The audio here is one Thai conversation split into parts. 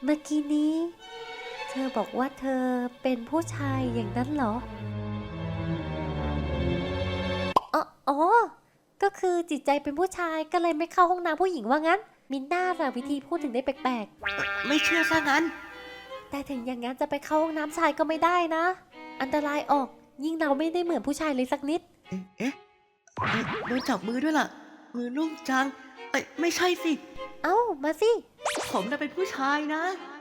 เมื่อกี้นี้เธอบอกว่าเธอเป็นผู้ชายอย่างนั้นเหรออ๋อก็คือจิตใจเป็นผู้ชายก็เลยไม่เข้าห้องน้ำผู้หญิงว่างั้นมินน่าล่ะวิธีพูดถึงได้แปลกไม่เชื่อซะงั้นๆแต่ถึงอย่างนั้นจะไปเข้าห้องน้ำชายก็ไม่ได้นะอันตรายออกยิ่งเราไม่ได้เหมือนผู้ชายเลยสักนิดโดนจับมือด้วยล่ะมือนุ่มจังไม่ใช่สิเอ้ามาสิผมน่ะเป็นผู้ชายนะ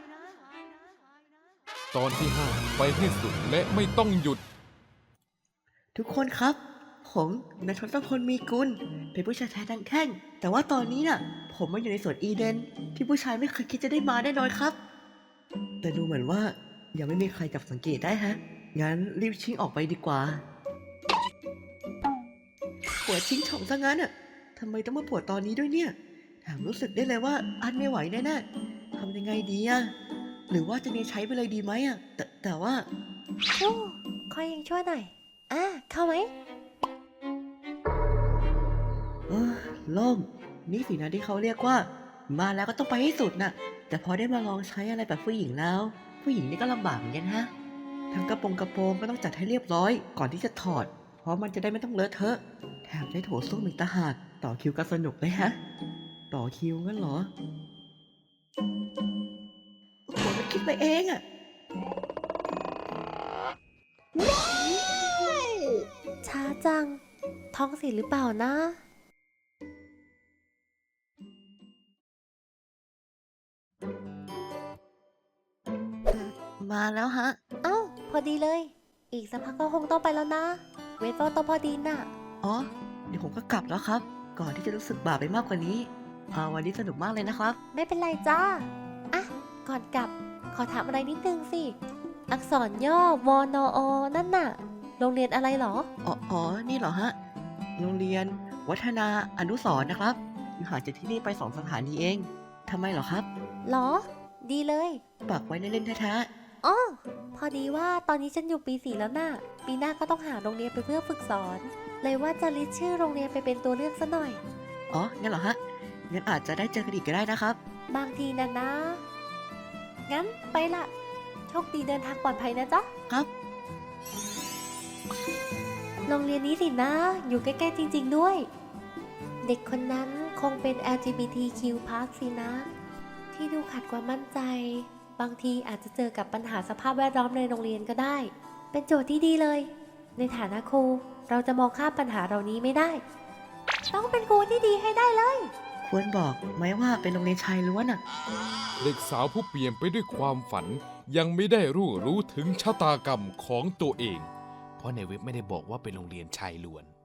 ตอนที่5ไปให้สุดและไม่ต้องหยุดทุกคนครับผมนายทศพลมีกุลเป็นผู้ชายแท้ทั้งแท่งแต่ว่าตอนนี้น่ะผมมาอยู่ในสวนอีเดนที่ผู้ชายไม่เคยคิดจะได้มาแน่นอนครับแต่ดูเหมือนว่ายังไม่มีใครจับสังเกตได้ฮะงั้นรีบชิงออกไปดีกว่าปวดชิงช่องซะงั้นอ่ะทำไมต้องมาปวดตอนนี้ด้วยเนี่ยแถมรู้สึกได้เลยว่าอันไม่ไหวแน่ๆทำยังไงดีอ่ะหรือว่าจะเนี่ยใช้ไปเลยดีไหมอ่ะแต่ว่าโอ้คอยยังช่วยหน่อยเข้าไหมโล่งนี่สินะที่เขาเรียกว่ามาแล้วก็ต้องไปให้สุดน่ะแต่พอได้มาลองใช้อะไรแบบผู้หญิงแล้วผู้หญิงนี่ก็ลำบากเหมือนกันฮะทั้งกระโปรงก็ต้องจัดให้เรียบร้อยก่อนที่จะถอดเพราะมันจะได้ไม่ต้องเลอะเทอะแถมได้โถส้วมอีกต่างหากต่อคิวก็สนุกเลยฮะต่อคิวงั้นเหรอโอ้โหมันคิดไปเองอะช้าจังท้องเสียหรือเปล่านะมาแล้วฮะเอ้าพอดีเลยอีกสักพักก็คงต้องไปแล้วนะเวทก็ต้องพอดีน่ะอ๋อเดี๋ยวผมก็กลับแล้วครับก่อนที่จะรู้สึกบาปไปมากกว่านี้วันนี้สนุกมากเลยนะครับไม่เป็นไรจ้าอ่ะก่อนกลับขอถามอะไรนิดนึงสิอักษรย่อวนอนั่นน่ะโรงเรียนอะไรหรออ๋อนี่เหรอฮะโรงเรียนวัฒนาอนุสรณ์นะครับอยู่ห่างจากที่นี่ไป2 สถานีเองทำไมเหรอครับหรอดีเลยปักไว้เล่นๆแท้อ๋อพอดีว่าตอนนี้ฉันอยู่ปี 4แล้วน่ะปีหน้าก็ต้องหาโรงเรียนไปเพื่อฝึกสอนเลยว่าจะลิสต์ชื่อโรงเรียนไปเป็นตัวเลือกซะหน่อยอ๋องั้นเหรอฮะงั้นอาจจะได้เจอกันอีกก็ได้นะครับบางทีนะงั้นไปละโชคดีเดินทางปลอดภัยนะจ๊ะครับโรงเรียนนี้สินะอยู่ใกล้ๆจริงๆด้วยเด็กคนนั้นคงเป็น LGBTQ+ สินะที่ดูขาดความมั่นใจบางทีอาจจะเจอกับปัญหาสภาพแวดล้อมในโรงเรียนก็ได้เป็นโจทย์ที่ดีเลยในฐานะครูเราจะมองข้ามปัญหาเหล่านี้ไม่ได้ต้องเป็นครูที่ดีให้ได้เลยควรบอกไหมว่าเป็นโรงเรียนชายล้วนอ่ะเด็กสาวผู้เปลี่ยนไปด้วยความฝันยังไม่ได้รู้ถึงชะตากรรมของตัวเองเพราะในเว็บไม่ได้บอกว่าเป็นโรงเรียนชายล้วน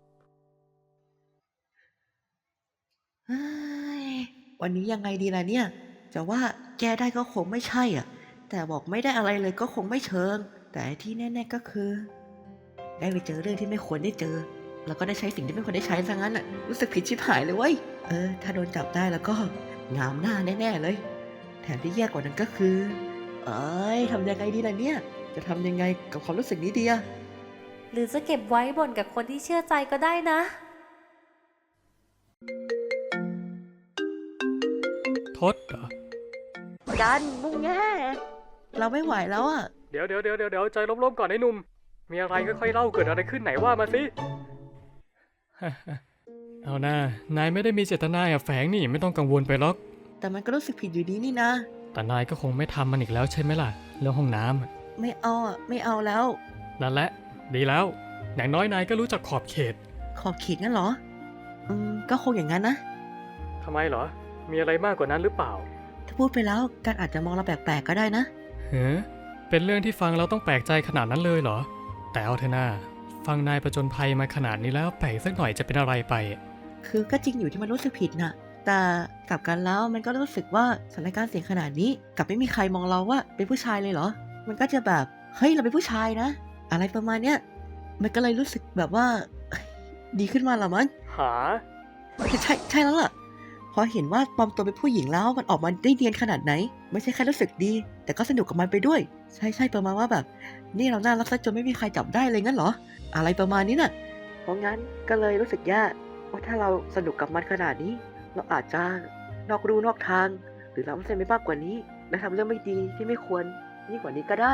เฮ้ยวันนี้ยังไงดีล่ะเนี่ยจะว่าแก้ได้ก็คงไม่ใช่อ่ะแต่บอกไม่ได้อะไรเลยก็คงไม่เชิงแต่ที่แน่ๆก็คือได้ไปเจอเรื่องที่ไม่ควรได้เจอแล้วก็ได้ใช้สิ่งที่ไม่ควรได้ใช้ซะงั้นอ่ะรู้สึกผิดชิบหายเลยเว้ยถ้าโดนจับได้แล้วก็งามหน้าแน่ๆเลยแถมที่แย่กว่านั้นก็คือทำยังไงดีล่ะเนี่ยจะทำยังไงกับความรู้สึกนี้ดีอะหรือจะเก็บไว้บ่นกับคนที่เชื่อใจก็ได้นะทศเหรอกันมุงแง่เราไม่ไหวแล้วอะเดี๋ยวใจร่มๆก่อนไอ้หนุ่มมีอะไรค่อยๆเล่าเกิดอะไรขึ้นไหนว่ามาสิ เอาหน้านายไม่ได้มีเจตนาแอบแฝงนี่ไม่ต้องกังวลไปหรอกแต่มันก็รู้สึกผิดอยู่ดีนี่นะแต่นายก็คงไม่ทำมันอีกแล้วใช่ไหมล่ะเรื่องห้องน้ไม่เอาอะไม่เอาแล้วำนั่นแหละดีแล้วอย่างน้อยนายก็รู้จักขอบเขตขอบเขตงั้นเหรอก็คงอย่างนั้นนะทำไมเหรอมีอะไรมากกว่านั้นหรือเปล่าถ้าพูดไปแล้วการอาจจะมองเราแปลกๆก็ได้นะเฮ้เป็นเรื่องที่ฟังเราต้องแปลกใจขนาดนั้นเลยเหรอแต่เอาเถอะนาฟังนายประจนภัยมาขนาดนี้แล้วแปลกสักหน่อยจะเป็นอะไรไปคือก็จริงอยู่ที่มันรู้สึกผิดน่ะแต่กลับกันแล้วมันก็รู้สึกว่าสถานการณ์เสี่ยงขนาดนี้กลับไม่มีใครมองเราว่าเป็นผู้ชายเลยเหรอมันก็จะแบบเฮ้ยเราเป็นผู้ชายนะอะไรประมาณเนี้ยมันก็เลยรู้สึกแบบว่าดีขึ้นมาละมั้งหาใช่แล้วล่ะพอเห็นว่าปลอมตัวเป็นผู้หญิงแล้วมันออกมาได้เนียนขนาดไหนไม่ใช่แค่รู้สึกดีแต่ก็สนุกกับมันไปด้วยใช่ประมาณว่าแบบนี่เราน่ารักซะจนไม่มีใครจับได้เลยงั้นเหรออะไรประมาณนี้น่ะเพราะงั้นก็เลยรู้สึกแย่ว่าถ้าเราสนุกกับมันขนาดนี้เราอาจจะนอกรูนอกทางหรือล้ำเส้นไปมากกว่านี้และทำเรื่องไม่ดีที่ไม่ควรยิ่งกว่านี้ก็ได้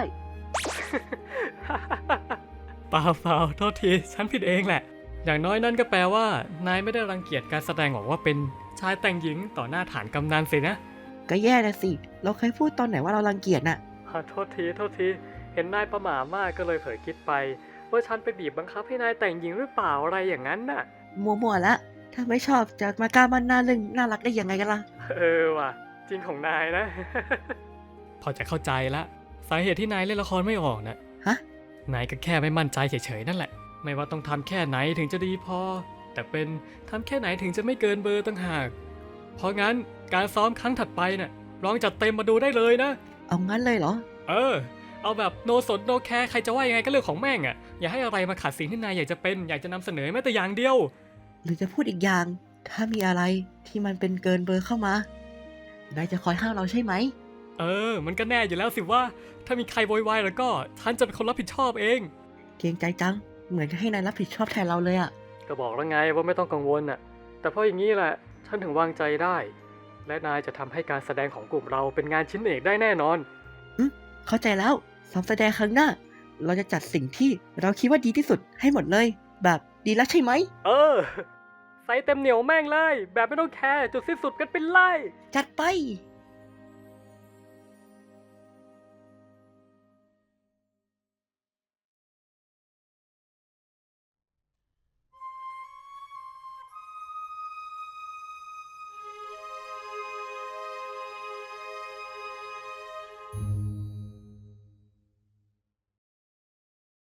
เปล่าโทษที ฉันผิดเองแหละ อย่างน้อยนั่นก็แปลว่านายไม่ได้รังเกียจการแสดงออกว่าเป็นชายแต่งหญิงต่อหน้าฐานกำนันสินะก็แย่นะสิ เราเคยพูดตอนไหนว่าเรารังเกียจน่ะโทษที เห็นนายประหม่ามากก็เลยเผลอคิดไป ว่าฉันไปบีบบังคับให้นายแต่งหญิงหรือเปล่าอะไรอย่างนั้นน่ะมัวๆละ ถ้าไม่ชอบจะมากล้ามันหน้าเรื่องน่ารักได้ยังไงกันล่ะว่ะ จริงของนายนะ พอจะเข้าใจละสาเหตุที่นายเล่นละครไม่ออกน่ะฮะนายก็แค่ไม่มั่นใจเฉยๆนั่นแหละ ไม่ว่าต้องทำแค่ไหนถึงจะดีพอ แต่เป็นทำแค่ไหนถึงจะไม่เกินเบอร์ต่างหาก เพราะงั้นการซ้อมครั้งถัดไปน่ะลองจัดเต็มมาดูได้เลยนะเอางั้นเลยเหรอเอาแบบโนสนโนแคร์ใครจะว่ายังไงก็เรื่องของแม่งอ่ะ อย่าให้อะไรมาขัดสิ่งที่นายอยากจะเป็นอยากจะนำเสนอแม้แต่อย่างเดียวหรือจะพูดอีกอย่าง ถ้ามีอะไรที่มันเป็นเกินเบอร์เข้ามา นายจะคอยห้ามเราใช่ไหมมันก็แน่อยู่แล้วสิว่า ถ้ามีใครโวยวายแล้วก็ฉันจะเป็นคนรับผิดชอบเองเกรงใจจัง เหมือนจะให้นายรับผิดชอบแทนเราเลยอะก็บอกแล้วไงว่าไม่ต้องกังวลน่ะ แต่เพราะอย่างนี้แหละ ฉันถึงวางใจได้ และนายจะทำให้การแสดงของกลุ่มเราเป็นงานชิ้นเอกได้แน่นอนเข้าใจแล้วซ้อมแสดงครั้งหน้า เราจะจัดสิ่งที่เราคิดว่าดีที่สุดให้หมดเลย แบบดีแล้วใช่ไหมใส่เต็มเหนียวแม่งเลย แบบไม่ต้องแคร์จุดสิ้นสุดกันเป็นไล่จัดไป